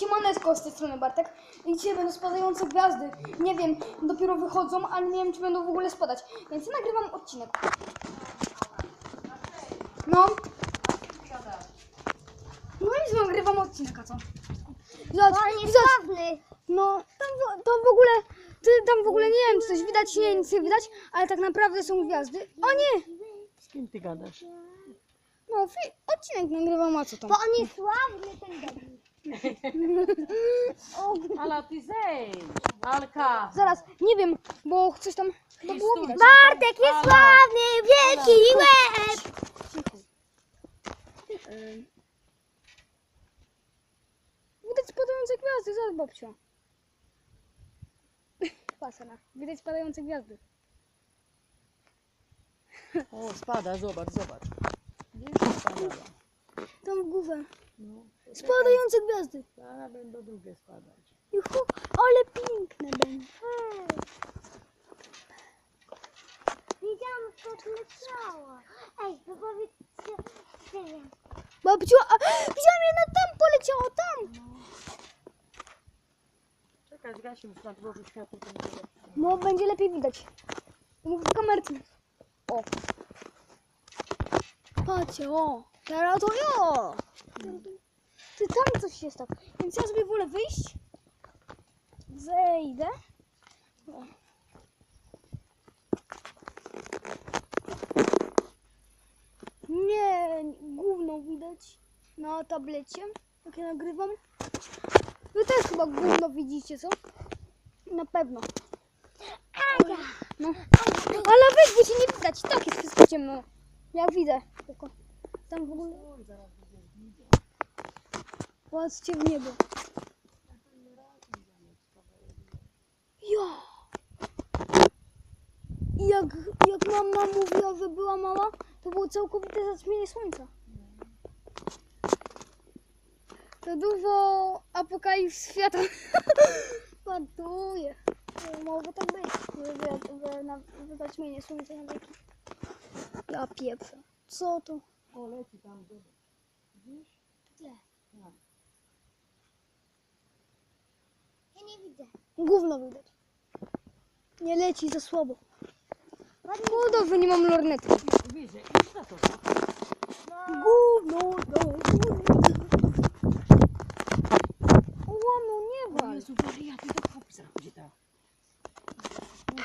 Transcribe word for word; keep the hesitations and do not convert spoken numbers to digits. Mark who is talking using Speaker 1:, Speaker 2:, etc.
Speaker 1: Siemaneczko, z tej strony Bartek i dzisiaj będą spadające gwiazdy. Nie wiem, dopiero wychodzą, ale nie wiem, czy będą w ogóle spadać, więc ja nagrywam odcinek. No. No i nagrywam odcinek, a co? Zobacz,
Speaker 2: Niesławny.
Speaker 1: no, tam, w- to w ogóle, ty, tam w ogóle nie wiem, czy coś widać, nie, nic nie widać, ale tak naprawdę są gwiazdy. O nie!
Speaker 3: Z kim ty gadasz?
Speaker 1: No, fi- odcinek nagrywam, a co tam?
Speaker 2: Bo on jest sławny, ten dobry.
Speaker 3: Ala, ty zejdź! Alka!
Speaker 1: Zaraz, nie wiem, bo coś tam chyba było
Speaker 3: stój.
Speaker 1: widać.
Speaker 2: Bartek jest
Speaker 3: Ala.
Speaker 2: sławny, wielki łeb.
Speaker 1: Ym. Widać spadające gwiazdy, zobacz babciu. Pasana, widać spadające gwiazdy.
Speaker 3: O, spada, zobacz, zobacz. Gdzieś spadała.
Speaker 1: Tam w górę.
Speaker 3: No,
Speaker 1: Spadające gwiazdy.
Speaker 3: zaraz będą drugie spadać.
Speaker 1: Juhu, ale piękne będą.
Speaker 2: Widziałam, jak leciała. Ej, to powiedzcie, nie wiem.
Speaker 1: Babciu, a widziałam jedna tam poleciała, tam.
Speaker 3: Czekaj, zgasi już na dworzu światło. to będzie lepsze.
Speaker 1: No, będzie lepiej widać. Mów do kamerki. O. Patrzcie, o. Teraz to jo. Ty, tam coś jest tak. Więc ja sobie wolę wyjść. Zejdę. O. Nie, gówno widać na tablecie, jak ja nagrywam. Wy też chyba gówno widzicie, co? Na pewno. No. Ale weź, bo się nie widać. Tak jest wszystko ciemno. Ja widzę. Tylko tam w ogóle... Patrzcie w niebo. Ja. I Jak, jak mama mówiła, że była mała, to było całkowite zaćmienie słońca. To dużo apokalips świata. Paduje. Może tak być, że, że, na, że zaćmienie słońca na wieki. Ja pieprzę. Co to?
Speaker 3: O, leci tam, zobacz. Widzisz?
Speaker 2: Gdzie?
Speaker 3: Tak.
Speaker 2: Ja nie widzę.
Speaker 1: Gówno widać. Nie leci za słabo.
Speaker 2: Ładnie.
Speaker 1: No dobrze, nie mam lornety.
Speaker 3: Widzę, idź na to.
Speaker 1: Gówno, no, gówno.